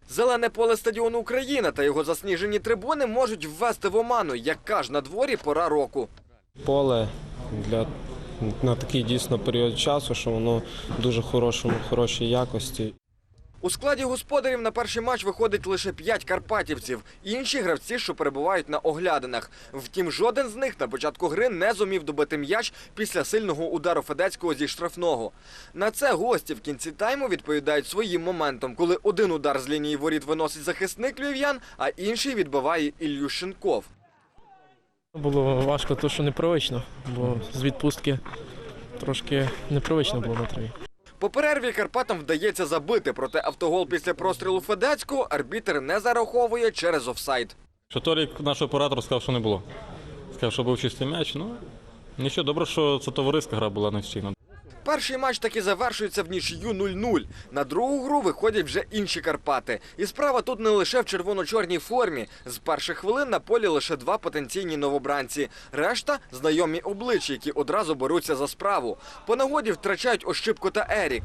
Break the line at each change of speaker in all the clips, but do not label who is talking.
Зелене поле стадіону «Україна» та його засніжені трибуни можуть ввести в оману, яка ж на дворі пора року.
Поле на такий дійсно період часу, що воно дуже хорошій якості.
У складі господарів на перший матч виходить лише 5 карпатівців. Інші гравці, що перебувають на оглядинах. Втім, жоден з них на початку гри не зумів добити м'яч після сильного удару Федецького зі штрафного. На це гості в кінці тайму відповідають своїм моментом, коли один удар з лінії воріт виносить захисник львів'ян, а інший відбиває Ільющенков.
Було важко, тому що непривично, бо з відпустки трошки непривично було на траві.
По перерві Карпатам вдається забити, проте автогол після прострілу Федецького арбітр не зараховує через офсайд.
Торік наш оператор сказав, що не було. Сказав, що був чистий м'яч. Нічого, добре, що це товариська гра була настійна.
Перший матч таки завершується в нічию 0-0. На другу гру виходять вже інші Карпати. І справа тут не лише в червоно-чорній формі. З перших хвилин на полі лише 2 потенційні новобранці. Решта – знайомі обличчя, які одразу беруться за справу. По нагоді втрачають Ощипко та Ерік.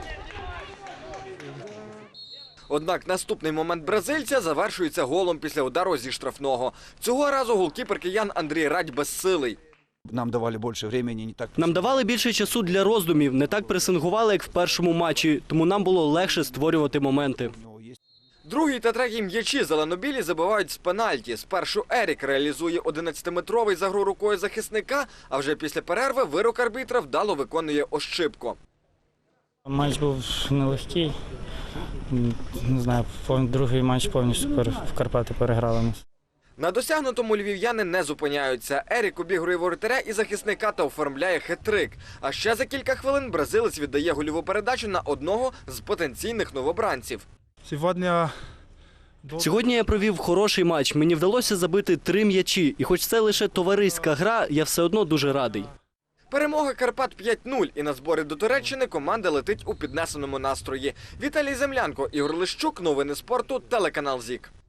Однак наступний момент бразильця завершується голом після удару зі штрафного. Цього разу голкіпер киян Андрій Радь безсилий.
Нам давали більше часу, не так.
Нам давали більше часу для роздумів, не так пресингували, як в першому матчі, тому нам було легше створювати моменти.
Другий та третій м'ячі зеленобілі забивають з пенальті. Спершу Ерік реалізує 11-метровий за гру рукою захисника, а вже після перерви вирок арбітра вдало виконує Ощипко.
Матч був нелегкий. Не знаю, другий матч повністю в Карпати переграли нас.
На досягнутому львів'яни не зупиняються. Ерік обігрує воротаря і захисника та оформляє хет-трик. А ще за кілька хвилин бразилець віддає гольову передачу на одного з потенційних новобранців.
Сьогодні я провів хороший матч, мені вдалося забити 3 м'ячі. І хоч це лише товариська гра, я все одно дуже радий.
Перемога Карпат 5-0, і на збори до Туреччини команда летить у піднесеному настрої. Віталій Землянко, Ігор Лищук, новини спорту, телеканал ЗІК.